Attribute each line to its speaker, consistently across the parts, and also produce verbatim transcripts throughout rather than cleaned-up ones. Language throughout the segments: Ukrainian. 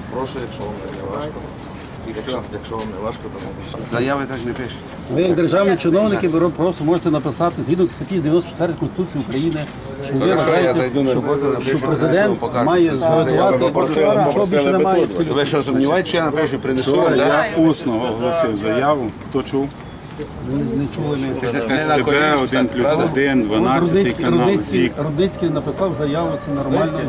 Speaker 1: Прошу, якщо вам не важко. Якщо, якщо вам не важко, то напишіть.
Speaker 2: Заяви так не пишуть.
Speaker 3: Ви як державні чиновники, ви просто можете написати згідно статті дев'яносто чотири Конституції України, що ви
Speaker 2: Хорошо, я
Speaker 3: вважаєте,
Speaker 2: зайду на
Speaker 3: що,
Speaker 2: роботу, напишу,
Speaker 3: що президент
Speaker 2: покажу,
Speaker 3: має
Speaker 2: що
Speaker 3: зготувати, що більше немає.
Speaker 2: Ви що, сумніваєте, що я напишу, принесу?
Speaker 4: Вчора
Speaker 2: Да?
Speaker 4: я усно оголосив заяву. Хто чув?
Speaker 3: Не чули ми.
Speaker 2: Не на
Speaker 4: СТБ,
Speaker 2: коліні
Speaker 4: один
Speaker 2: писати,
Speaker 4: плюс
Speaker 2: правда?
Speaker 4: один, дванадцятий
Speaker 3: Рудницький,
Speaker 4: канал,
Speaker 3: Рудницький,
Speaker 4: ЗІК.
Speaker 3: Рудницький написав заяву, це нормально.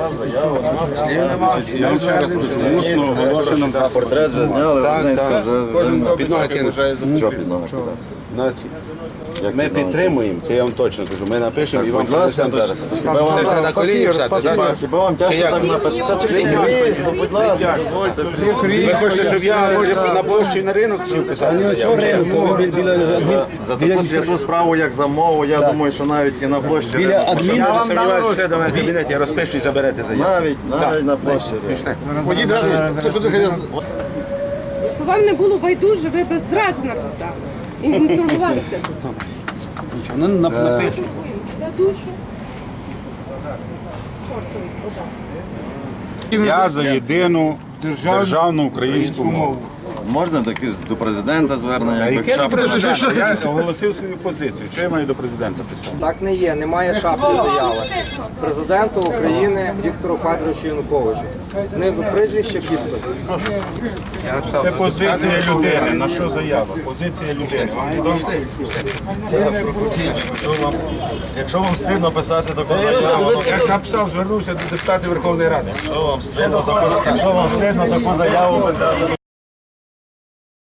Speaker 4: Я вам ще раз кажу, усно оголошено.
Speaker 1: Портрет вже зняли,
Speaker 2: Так,
Speaker 1: Рудницька
Speaker 2: так.
Speaker 1: вже
Speaker 2: Кожен
Speaker 1: вже
Speaker 2: під ноги кинув.
Speaker 1: Що під ноги кидати?
Speaker 2: Ми підтримуємо, це я вам точно кажу. Ми напишемо і вам
Speaker 1: Будь ласка,
Speaker 2: принесемо зараз.
Speaker 1: хіба вам
Speaker 2: Це ж не на
Speaker 1: треба
Speaker 2: коліні
Speaker 1: папір,
Speaker 2: писати,
Speaker 1: папір,
Speaker 2: так?
Speaker 1: хіба вам тяжко
Speaker 2: як?
Speaker 1: так написати? Це чекайте, будь ласка, дозвольте.
Speaker 2: Ви хочете, щоб я, може, на площі і на ринок сів писати заяву? Чи як?
Speaker 1: За таку святу справу, як за мову, я думаю, що навіть і на площі.
Speaker 3: Біля адмін...
Speaker 2: Я вам сумніваюся, все до мене в кабінеті, я розпишу і заберете заяву.
Speaker 1: Навіть, навіть на площі.
Speaker 2: Ходіть разом, хто сюди ходить?
Speaker 5: Якби вам не було байдуже, ви б зразу написали. І не турбувалися.
Speaker 3: Нічого, вони нап- напишуть.
Speaker 5: Я душу.
Speaker 4: Я за єдину державну українську мову.
Speaker 1: Можна таки до президента звернення? якби
Speaker 4: Яке до
Speaker 1: шапка-
Speaker 4: президента? Я оголосив свою позицію. Що я маю до президента писати?
Speaker 6: Так не є, немає шапки заяви. Президенту України Віктору Федоровичу Януковичу. Знизу прізвище, підпис.
Speaker 2: Я написав.
Speaker 4: Це позиція людини. На що заява? Позиція людини.
Speaker 1: Якщо вам стидно писати таку заяву,
Speaker 2: Я ж написав, звернувся до депутатів Верховної Ради.
Speaker 1: якщо вам стидно таку- якщо вам стидно таку заяву писати,